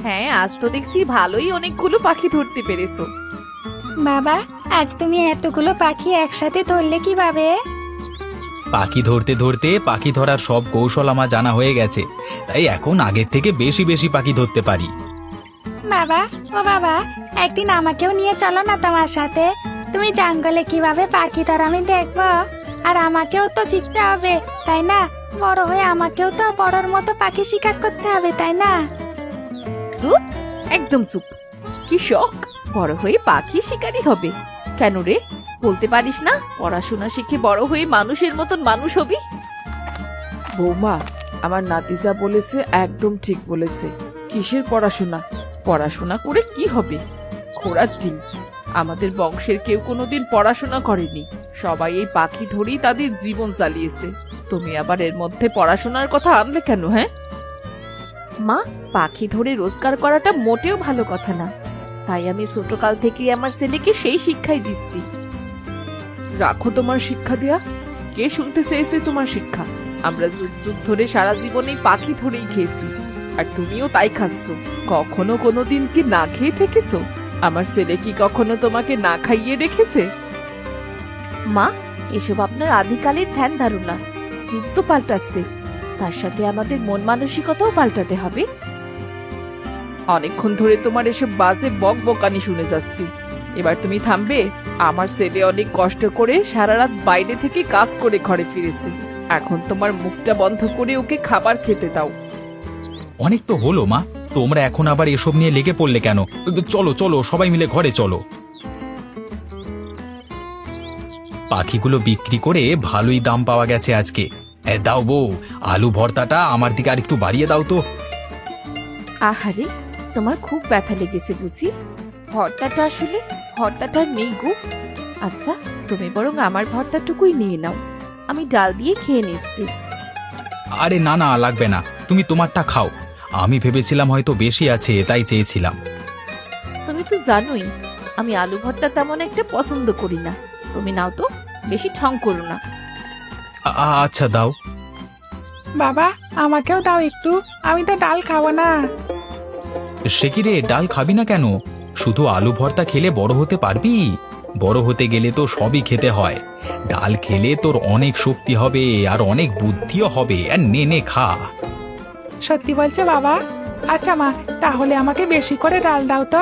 হ্যাঁ, আজ তো দেখছি ভালোই অনেকগুলো পাখি ধরতে পেরেছো। বাবা, আজ তুমি এতগুলো পাখি একসাথে ধরলে কিভাবে? পাখি ধরতে ধরতে পাখি ধরার সব কৌশল আমার জানা হয়ে গেছে, তাই এখন আগের থেকে বেশি বেশি পাখি ধরতে পারি। বাবা, ও বাবা, একদিন আমাকেও নিয়ে চলো না তোমার সাথে। তুমি জঙ্গলে কিভাবে পাখি ধর আমি দেখবো। আর আমাকেও তো শিখতে হবে, তাই না? বড় হয়ে আমাকেও তো বড়র মতো পাখি শিকার করতে হবে, তাই না? চুপ, একদম চুপ। কি শখ বড় হয়ে পাখি শিকারী হবে? কেন রে, বলতে পারিস না পড়াশোনা শিখে বড় হয়ে মানুষের মতন মানুষ হবি? বৌমা, আমার নাতিজা বলেছে, একদম ঠিক বলেছে। কিসের পড়াশোনা? পড়াশোনা করে কি হবে? ঘোড়ার ডিম। আমাদের বংশের কেউ কোনোদিন পড়াশোনা করেনি, সবাই এই পাখি ধরেই তাদের জীবন চালিয়েছে। তুমি আবার এর মধ্যে পড়াশোনার কথা আনলে কেন? হ্যাঁ মা, পাখি ধরে রোজগার করাটা মোটেও ভালো কথা না, তাই আমি ছোটকাল থেকেই আমার ছেলেকে সেই শিক্ষাই দিচ্ছি। রাখো তোমার শিক্ষা দেয়া। কে শুনতে চেয়েছে তোমার শিক্ষা? আমরা যুগ যুগ ধরে সারা জীবনে পাখি ধরেই খেয়েছি, আর তুমিও তাই খাচ্ছ। কখনো কোনোদিন কি না খেয়ে থেকেছো? আমার ছেলে কি কখনো তোমাকে না খাইয়ে রেখেছে? মা, এসব আপনার আদিকালের ধ্যান ধারণা। যুগ তো পাল্টাচ্ছে, তার সাথে আমাদের মন মানসিকতাও পাল্টাতে হবে। অনেকক্ষণ ধরে তোমার এসব বাজে বক বকানি শুনে যাচ্ছি, এবার তুমি থামবে? আমার ছেলে অনেক কষ্ট করে সারা রাত বাইরে থেকে কাজ করে ঘরে ফিরেছে, এখন তোমার মুখটা বন্ধ করে ওকে খাবার খেতে দাও। অনেক তো হলো মা, তোমরা এখন আবার এসব নিয়ে লেগে পড়লে কেন? চলো চলো, সবাই মিলে ঘরে চলো। পাখিগুলো বিক্রি করে ভালোই দাম পাওয়া গেছে আজকে। দাও বউ, আলু ভর্তাটা আমার দিকে আর একটু বাড়িয়ে দাও তো। আহারে, তোমার খুব ব্যথা লেগেছে বুঝি? ভর্তাটা নেই গো। আচ্ছা, তুমি বরং আমার ভর্তাটুকুই নিয়ে নাও, আমি ডাল দিয়ে খেয়ে নিচ্ছি। আরে না না, লাগবে না, তুমি তোমারটা খাও। আমি ভেবেছিলাম হয়তো বেশি আছে, তাই চেয়েছিলাম। তুমি তো জানোই আমি আলু ভর্তা তেমন একটা পছন্দ করি না। তুমি নাও তো, বেশি ঠং করো না। আচ্ছা দাও। বাবা, আমাকেও দাও একটু, আমি তো ডাল খাবো না। সে কি রে, ডাল খাবি না কেন? শুধু আলু ভর্তা খেলে বড় হতে পারবি? বড় হতে গেলে তো সবই খেতে হয়। ডাল খেলে তোর অনেক শক্তি হবে আর অনেক বুদ্ধিও হবে। আর নে নে খা। সত্যি বলছো বাবা? আচ্ছা মা, তাহলে আমাকে বেশি করে ডাল দাও তো।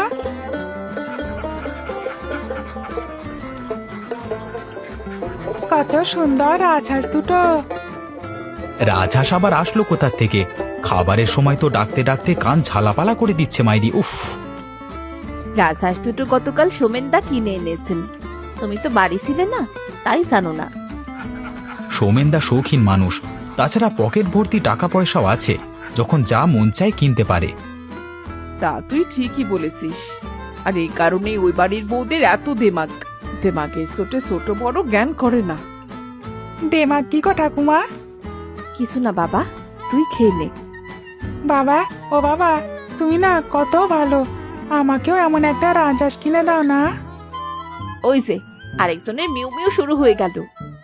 কত সুন্দর রাজহাঁস দুটো। রাজহাঁস আবার আসলো কোথা থেকে? খাবারের সময় তো ডাকতে ডাকতে কান ঝালাপালা করে দিচ্ছে মাইরি, উফ। রাজহাঁস দুটো গতকাল সোমেনদা কিনে এনেছেন, তুমি তো বাড়ি ছিলে না, তাই জানো না। সোমেনদা শৌখিন মানুষ, তাছাড়া পকেট ভর্তি টাকা পয়সাও আছে, যখন যা মন চায় কিনতে পারে। তা তুই ঠিকই বলেছিস, আর এই কারণেই ওই বাড়ির বউদের এত দেমাগ। দেমাগের চোটে ছোট বড় জ্ঞান করে না। দেমাগ কি গো ঠাকুমা? কিছু না বাবা, তুই খেয়ে নে। বাবা, ও বাবা, তুমি না কত ভালো, আমাকেও এমন একটা রাজহাঁস কিনে দাও না। ওই যে আরেকজনের মিউ মিউ শুরু হয়ে গেল।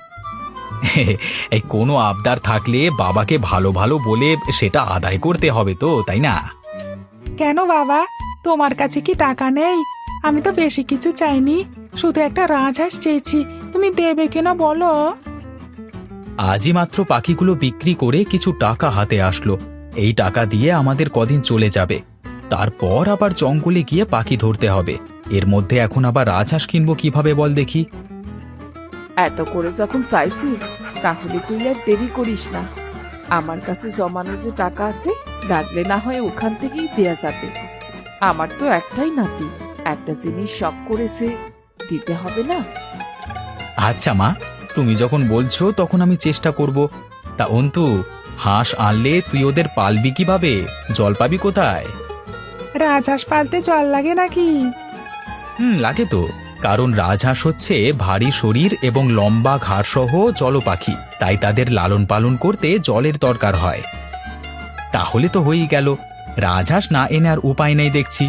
এই কোনো আবদার থাকলে বাবাকে ভালো ভালো বলে সেটা আদায় করতে হবে তো, তাই না? কেন বাবা, তোমার কাছে কি টাকা নেই? আমি তো বেশি কিছু চাইনি, শুধু একটা রাজহাঁস চেয়েছি, তুমি দেবে কেন বলো? আজই মাত্র পাখিগুলো বিক্রি করে কিছু টাকা হাতে আসলো, এই টাকা দিয়ে আমাদের কদিন চলে যাবে। তারপর আবার জঙ্গলে গিয়ে পাখি ধরতে হবে। এর মধ্যে এখন আবার রাজহাঁস কিনবো কিভাবে বল দেখি? এত করে যখন চাইছি, তাহলে তুই আর দেরি করিস না। আমার কাছে জমানো যে টাকা আছে, লাগলে না হয় ওখান থেকেই দেয়া যাবে। আমার তো একটাই নাতি, একটা জিনিস শখ করেছে, দিতে হবে না? আচ্ছা মা, তুমি যখন বলছো তখন আমি চেষ্টা করব। তা অন্তু, হাঁস আনলে তুই ওদের পালবি কিভাবে? জল পাবি কোথায়? রাজহাঁস পালতে জল লাগে নাকি? লাগে তো, কারণ রাজহাঁস হচ্ছে ভারী শরীর এবং লম্বা ঘাড় সহ জলপাখি, তাই তাদের লালন পালন করতে জলের দরকার হয়। তাহলে তো হয়েই গেল, রাজহাঁস না এনে আর উপায় নেই দেখছি।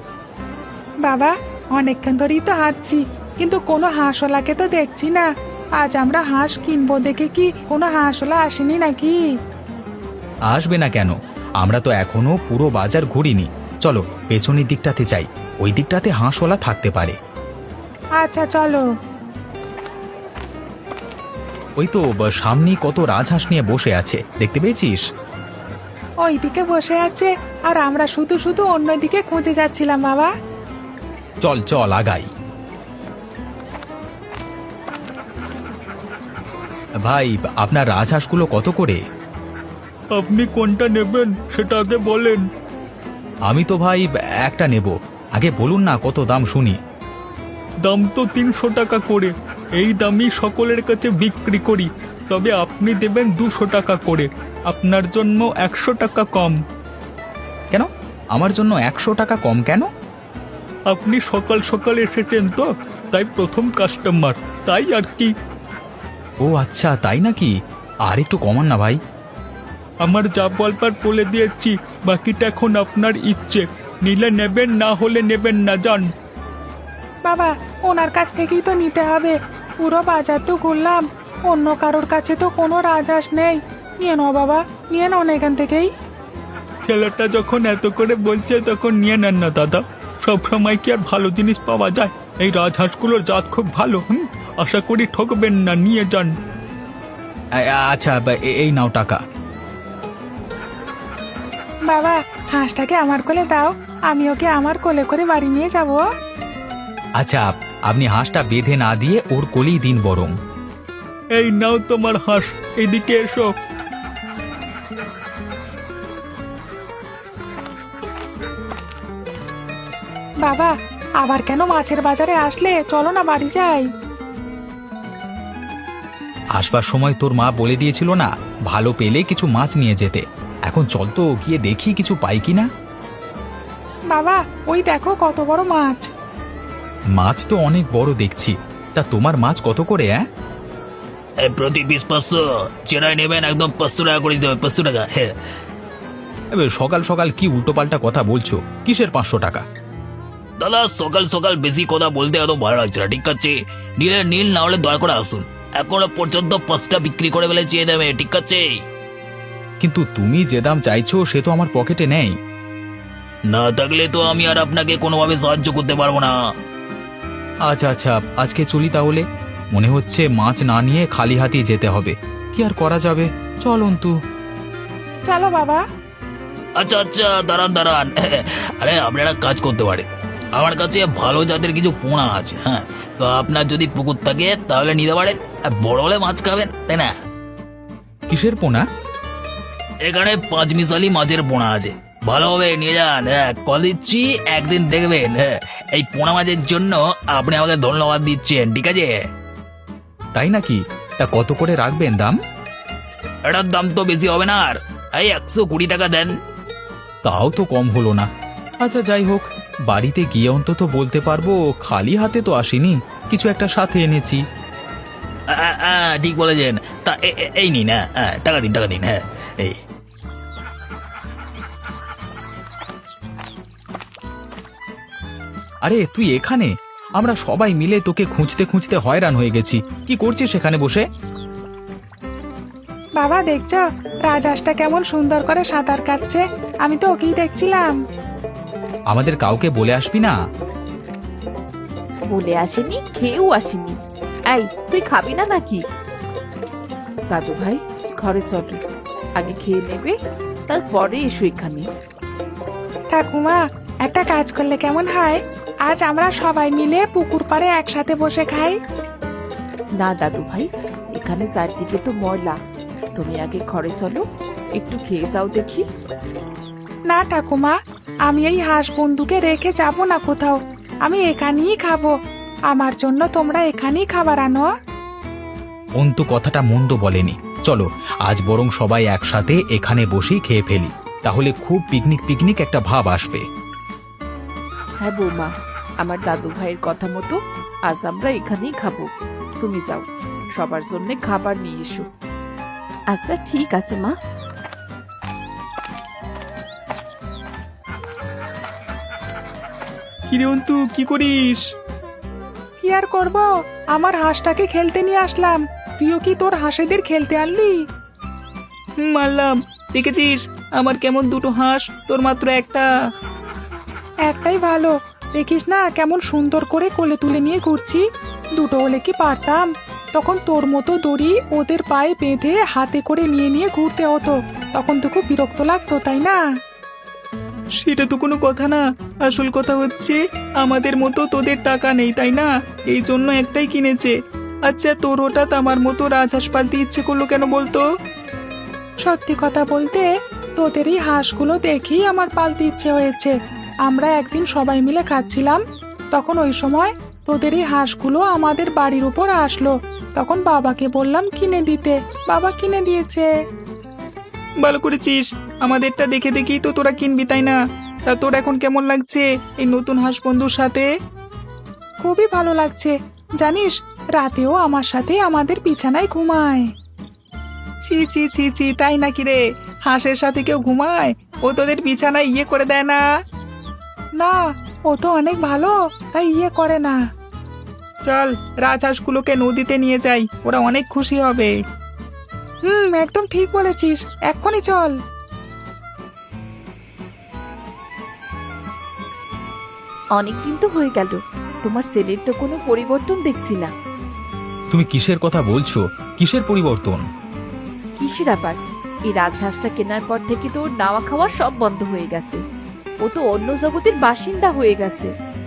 বাবা, অনেকক্ষণ ধরেই তো হাঁটছি, কিন্তু কোনো হাঁসওয়ালাকে তো দেখছি না। আজ আমরা হাঁস কিনবো দেখে কি কোনো হাঁসওয়ালা আসেনি নাকি? আসবে না কেন? আমরা তো এখনো পুরো বাজার ঘুরিনি। চলো পেছনের দিকটাতে যাই, ওই দিকটাতে হাঁসওয়ালা থাকতে পারে। আচ্ছা চলো। ওই তো সামনে কত রাজহাঁস নিয়ে বসে আছে, দেখতে পেয়েছিস? ওইদিকে বসে আছে আর আমরা শুধু শুধু অন্যদিকে খুঁজে যাচ্ছিলাম বাবা। চল চল আগাই। ভাই, আপনার রাজহাঁসগুলো কত করে? আপনি কোনটা নেবেন সেটা আগে বলেন। আমি তো ভাই একটা নেব, আগে বলুন না কত দাম শুনি। দাম তো 300 টাকা করে, এই দামই সকলের কাছে বিক্রি করি, তবে আপনি দেবেন 200 টাকা করে, আপনার জন্য 100 টাকা কম। কেন আমার জন্য 100 টাকা কম কেন? আপনি সকাল সকাল এসেছেন তো, তাই প্রথম কাস্টমার, তাই আর কি। ও আচ্ছা, তাই নাকি? আর একটু কমান না ভাই। আমার যা বলবার বলে দিয়েছি, বাকিটা এখন আপনার ইচ্ছে, নিলে নেবেন, না হলে নেবেন না, যান। বাবা ওনার কাছ থেকেই তো নিতে হবে, পুরো বাজার তো ঘুরলাম, অন্য কারোর কাছে তো কোনো রাজহাঁস নেই। নিয়ে নাও বাবা, নিয়ে নাও না এখান থেকেই। ছেলেটা যখন এত করে বলছে তখন নিয়ে নেন না দাদা, সব সময় কি আর ভালো জিনিস পাওয়া যায়? এই রাজহাঁসগুলোর জাত খুব ভালো, আশা করি ঠকবেন না, নিয়ে যান। আচ্ছা এই নাও টাকা। বাবা হাঁসটাকে আমার কোলে দাও, আমি ওকে আমার কোলে করে বাড়ি নিয়ে যাব। আচ্ছা, আপনি হাঁসটা বেঁধে না দিয়ে ওর কোলেই দিন বরং। এই নাও তোমার হাঁস, এদিকে এসো। বাবা আবার কেন মাছের বাজারে আসলে? চলো না বাড়ি যাই। আসবার সময় তোর মা বলে দিয়েছিল না, ভালো পেলে কিছু মাছ নিয়ে যেতে। এখন চল তো গিয়ে দেখি কিছু পাই কিনা। বাবা ওই দেখো কত বড় মাছ। মাছ তো অনেক বড় দেখছি, তা তোমার মাছ কত করে? প্রতি পিস 500, চেরাই নেবেন একদম 500 টাকা করে দিতে হবে, 500 টাকা। হ্যাঁ, সকাল সকাল কি উল্টোপাল্টা কথা বলছো? কিসের 500 টাকা? দাদা সকাল সকাল বেশি কথা বলতে এত ভালো লাগছে না, ঠিক আছে? নিলে নীল, না হলে দয়া করে আসুন, এখনো পর্যন্ত 5টা বিক্রি করে ফেলে চেয়ে দেবে, ঠিক আছে? কিন্তু তুমি যে দাম চাইছো সে তো আমার পকেটে নেই। না থাকলে তো আমি আর আপনাকে কোনোভাবে সাহায্য করতে পারবো না। আচ্ছা আচ্ছা, আজকে চলি তাহলে। মনে হচ্ছে মাছ না নিয়ে খালি হাতেই যেতে হবে, কি আর করা যাবে। চল অন্তু। চলো বাবা। আচ্ছা আচ্ছা, দাঁড়ান দাঁড়ান, আরে আপনারা কাজ করতে পারে, আমার কাছে ভালো জাতের কিছু পোনা আছে। হ্যাঁ, তো আপনার যদি পুকুর থাকে তাহলে নিতে পারেন, আর বড় হলে মাছ খাবেন, তাই না? কিসের পোনা? এখানে 5 মিশালি মাছের পোনা আছে, ভালো হবে, নিয়ে যান। হ্যাঁ, কল দিচ্ছি, একদিন দেখবেন। হ্যাঁ, এই পোনা মাছের জন্য আপনি আমাকে ধন্যবাদ দিচ্ছেন, ঠিক আছে? তাই নাকি? তা কত করে রাখবেন দাম? এটার দাম তো বেশি হবে না, আর এই 120 টাকা দেন। তাও তো কম হলো না। আচ্ছা যাই হোক, বাড়িতে গিয়ে অন্তত বলতে পারবো খালি হাতে তো আসিনি, কিছু একটা সাথে এনেছি। ঠিক বলেছেন। তা এই নিন, হ্যাঁ, টাকা দিন, টাকা দিন। হ্যাঁ, এই আরে তুই এখানে? আমরা সবাই মিলে তোকে খুঁজতে খুঁজতে হয়রান হয়ে গেছি। কি করছিস সেখানে বসে? বাবা দেখছো রাজহাঁসটা কেমন সুন্দর করে সাঁতার কাটছে, আমি তো ওকেই দেখছিলাম। আমাদের কাউকে বলে আসবি না? বলে আসেনি, খেয়েও আসেনি। এই তুই খাবি না নাকি? দাদু ভাই ঘরে চলো, আগে খেয়ে নেবে, তারপরে এসো এখানে। ঠাকুমা একটা কাজ করলে কেমন হয়? আজ আমরা সবাই মিলে পুকুর পাড়ে একসাথে বসে খাই। না দাদু ভাই, এখানে চারদিকে তো ময়লা, তুমি আগে ঘরে চলো, একটু খেয়ে যাও দেখি। না ঠাকুমা, আমি এই হাঁস বন্ধুকে রেখে যাব না কোথাও, আমি এখানেই খাবো। আমার জন্য তোমরা এখানেই খাবার আনো। অন্তু কথাটা মন্দ বলেনি। চলো আজ বরং সবাই একসাথে এখানে বসেই খেয়ে ফেলি, তাহলে খুব পিকনিক পিকনিক একটা ভাব আসবে। হ্যাঁ বৌমা, আমার দাদু ভাইয়ের কথা মতো আজ আমরা এখানেই খাবো। তুমি যাও, সবার জন্য খাবার নিয়ে এসো। আচ্ছা ঠিক আছে মা। কিরে অন্তু, কি করিস? কি আর করব, আমার হাঁসটাকে খেলতে নিয়ে আসলাম। তুইও কি তোর হাঁসেদের খেলতে আনলি? মারলাম, দেখেছিস আমার কেমন দুটো হাঁস, তোর মাত্র একটা। একটাই ভালো, দেখিস না কেমন সুন্দর করে কোলে তুলে নিয়ে ঘুরছি। দুটো হলে কি পারতাম, তখন তোর মতো দড়ি ওদের পায়ে বেঁধে হাতে করে নিয়ে নিয়ে ঘুরতে হতো। তখন তো খুব বিরক্ত লাগতো, তাই না? সেটা তো কোনো কথা না, আসল কথা হচ্ছে আমাদের মতো তোদের টাকা নেই, তাই না? এই জন্য একটাই কিনেছে। আচ্ছা, তোর হঠাৎ আমার মতো রাজহাঁস পালতে ইচ্ছে করলো কেন বলতো? সত্যি কথা বলতে, তোদের এই হাঁসগুলো দেখেই আমার পালতে ইচ্ছে হয়েছে। আমরা একদিন সবাই মিলে খাচ্ছিলাম, তখন ওই সময় তোদের এই হাঁসগুলো আমাদের বাড়ির উপর আসলো। তখন বাবাকে বললাম কিনে দিতে, বাবা কিনে দিয়েছে। ভালো করেছিস, আমাদেরটা দেখে দেখেই তো তোরা কিনবি, তাই না? তা তোর এখন কেমন লাগছে এই নতুন হাঁস বন্ধুর সাথে? খুবই ভালো লাগছে। জানিস, রাতেও আমার সাথে আমাদের বিছানায় ঘুমায়। ছি ছি ছি ছি, তাই নাকি রে? হাঁসের সাথে কেউ ঘুমায়? ও তোদের বিছানায় ইয়ে করে দেয় না? না, ও তো অনেক ভালো, তাই করে না। চল, রাজহাঁসগুলোকে নদীতে নিয়ে যাই, ওরা অনেক খুশি হবে। একদম ঠিক বলেছিস, এক্ষুনি চল। অনেকদিন তো হয়ে গেল, তোমার ছেলের তো কোনো পরিবর্তন দেখছি না। তুমি কিসের কথা বলছো? কিসের পরিবর্তন? কিসের আবার? এই রাজহাঁসটা কেনার পর থেকে তো ওর নাওয়া খাওয়া সব বন্ধ হয়ে গেছে। ও তো অন্য জগতের বাসিন্দা হয়ে গেছে।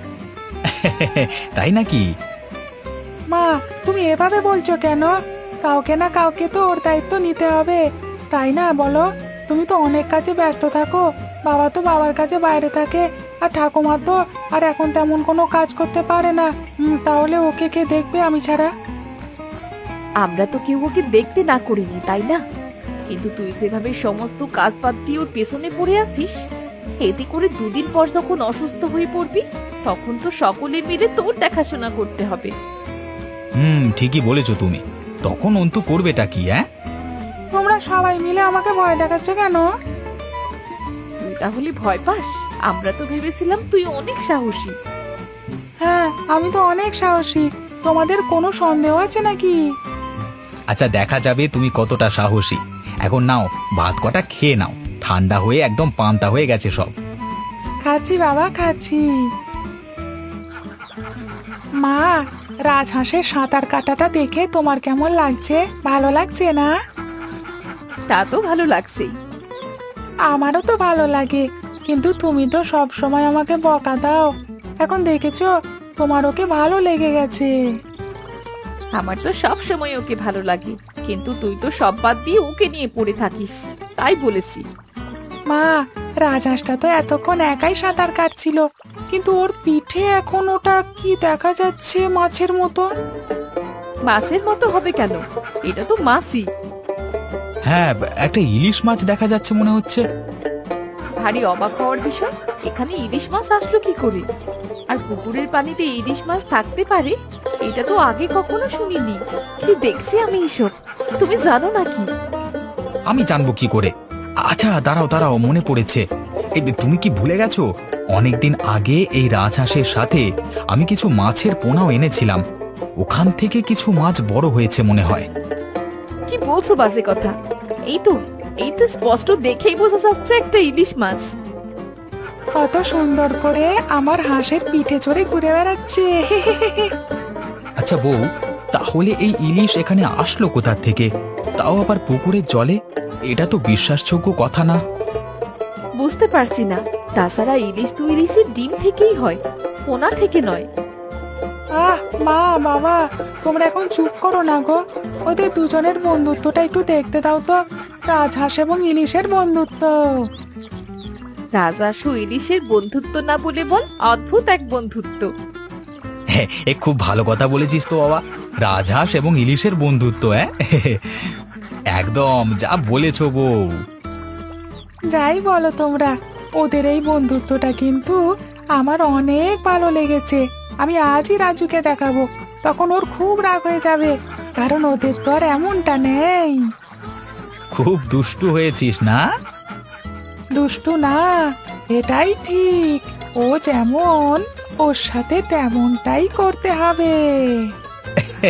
তাই নাকি? মা, তুমি এভাবে বলছো কেন? কাউকে না কাউকে তো ওর দায়িত্ব নিতে হবে, তাই না বলো? তুমি তো অনেক কাজে ব্যস্ত থাকো, বাবা তো বাবার কাছে বাইরে থাকে, আর ঠাকুমা তো আর এখন তেমন কোনো কাজ করতে পারে না। তাহলে ওকে কে দেখবে আমি ছাড়া? আমরা তো কেউ ওকে দেখতে না করিনি, তাই না? কিন্তু তুই যেভাবে সমস্ত কাজ বাদ দিয়ে ওর পেছনে পড়ে আসিস, এতে করে দুদিন পর যখন অসুস্থ হয়ে পড়বি, তখন তো সকলে মিলে তোর দেখাশোনা করতে হবে। ঠিকই বলেছো তুমি। তখন অন্তু করবেটা কি? তোমরা সবাই মিলে আমাকে ভয় দেখাচ্ছ কেন? তুই তাহলে ভয় পাস? আমরা তো ভেবেছিলাম তুই অনেক সাহসী। হ্যাঁ, আমি তো অনেক সাহসী। তোমাদের কোনো সন্দেহ আছে নাকি? আচ্ছা, দেখা যাবে তুমি কতটা সাহসী। এখন নাও, ভাত কটা খেয়ে নাও, ঠান্ডা হয়ে একদম পান্তা হয়ে গেছে সব। খাচ্ছি বাবা, খাচ্ছি। মা, রাজহাঁসের সাঁতার কাটাটা দেখে তোমার কেমন লাগছে? ভালো লাগছে না? তা তো ভালো লাগছেই। আমারও তো ভালো লাগে, কিন্তু তুমি তো সব সময় আমাকে বকা দাও। এখন দেখেছো, তোমার ওকে ভালো লেগে গেছে। আমার তো সব সময় ওকে ভালো লাগে, কিন্তু তুই তো সব বাদ দিয়ে ওকে নিয়ে পড়ে থাকিস, তাই বলেছি। মা, রাজহাঁসটা তো এতক্ষণ একাই সাঁতার কাটছিল, কিন্তু ওর পিঠে এখন ওটা কি দেখা যাচ্ছে, মাছের মতো। মাছের মতো হবে কেন? এটা তো মাছই। হ্যাঁ, একটা ইলিশ মাছ দেখা যাচ্ছে মনে হচ্ছে। ভারী অবাক হওয়ার বিষয়, এখানে ইলিশ মাছ আসলো কি করে? আর পুকুরের পানিতে ইলিশ মাছ থাকতে পারে, এটা তো আগে কখনো শুনিনি। কি দেখছি আমি এসব, তুমি জানো নাকি? আমি জানবো কি করে? আচ্ছা, দাঁড়াও দাঁড়াও, মনে পড়েছে। তুমি কি ভুলে গেছো? অনেকদিন আগে এই রাজহাঁসের সাথে আমি কিছু মাছের পোনাও এনেছিলাম। ওখান থেকে কিছু মাছ বড় হয়েছে মনে হয়। কি বলছো বাজে কথা? এই তো স্পষ্ট দেখেই বোঝা যাচ্ছে একটা ইলিশ মাছ। কত সুন্দর করে আমার হাঁসের পিঠে চড়ে ঘুরে বেড়াচ্ছে। আচ্ছা বউ, তাহলে এই ইলিশ এখানে আসলো কোথা থেকে? তাও আবার পুকুরের জলে? এটা তো বিশ্বাসযোগ্য কথা না। বুঝতে পারছি না। তাছাড়া ইলিশ তো ইলিশের ডিম থেকেই হয়, পোনা থেকে নয়। মা, বাবা, তোমরা এখন চুপ করো না গো। ওদের দুজনের বন্ধুত্বটা একটু দেখতে দাও তো, রাজহাঁস এবং ইলিশের বন্ধুত্ব। রাজহাঁস ও ইলিশের বন্ধুত্ব না বলে বল অদ্ভুত এক বন্ধুত্ব। হ্যাঁ, খুব ভালো কথা বলেছিস তো বাবা। রাজহাঁস এবং ইলিশের বন্ধুত্ব, একদম যা বলেছো বউ। যাই বলো তোমরা, ওদের এই বন্ধুত্বটা কিন্তু আমার অনেক ভালো লেগেছে। আমি আজই রাজুকে দেখাবো, তখন ওর খুব রাগ হয়ে যাবে, কারণ ওদের তো আর এমনটা নেই। খুব দুষ্টু হয়েছিস না? দুষ্টু না, এটাই ঠিক। ও যেমন, ওর সাথে তেমনটাই করতে হবে।